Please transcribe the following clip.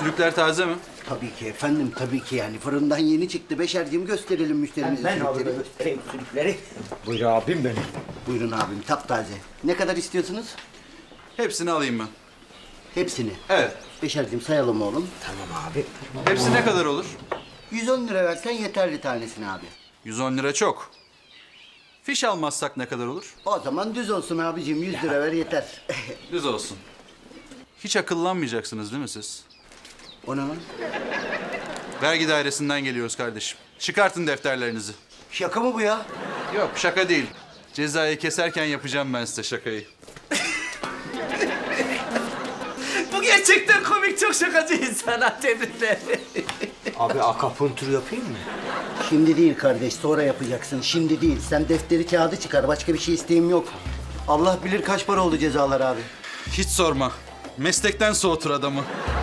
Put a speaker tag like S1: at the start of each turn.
S1: Sülükler taze mi?
S2: Tabii ki efendim, tabii ki yani. Fırından yeni çıktı. Beşerciğim gösterelim müşterimize
S3: Ben
S2: sülükleri.
S3: abi göstereyim sülükleri. Buyur abim benim.
S2: Buyurun abim, taptaze. Ne kadar istiyorsunuz?
S1: Hepsini alayım ben.
S2: Hepsini.
S1: Evet.
S2: Beşerciğim sayalım oğlum.
S3: Tamam abi.
S1: Hepsi ne kadar olur?
S2: 110 lira versen yeterli tanesini abi.
S1: 110 lira çok. Fiş almazsak ne kadar olur?
S2: O zaman düz olsun abicim, 100 lira ver yeter.
S1: Düz olsun. Hiç akıllanmayacaksınız değil mi siz?
S2: O ne lan?
S1: Vergi dairesinden geliyoruz kardeşim. Çıkartın defterlerinizi.
S2: Şaka mı bu ya?
S1: Yok şaka değil. Cezayı keserken yapacağım ben size şakayı.
S3: Bu gerçekten komik, çok şakacı insan. Tebrikler. Abi akapuntur yapayım mı?
S2: Şimdi değil kardeş, sonra yapacaksın. Şimdi değil. Sen defteri kağıdı çıkar. Başka bir şey isteğim yok. Allah bilir kaç para oldu cezalar abi.
S1: Hiç sorma. Meslekten soğutur adamı.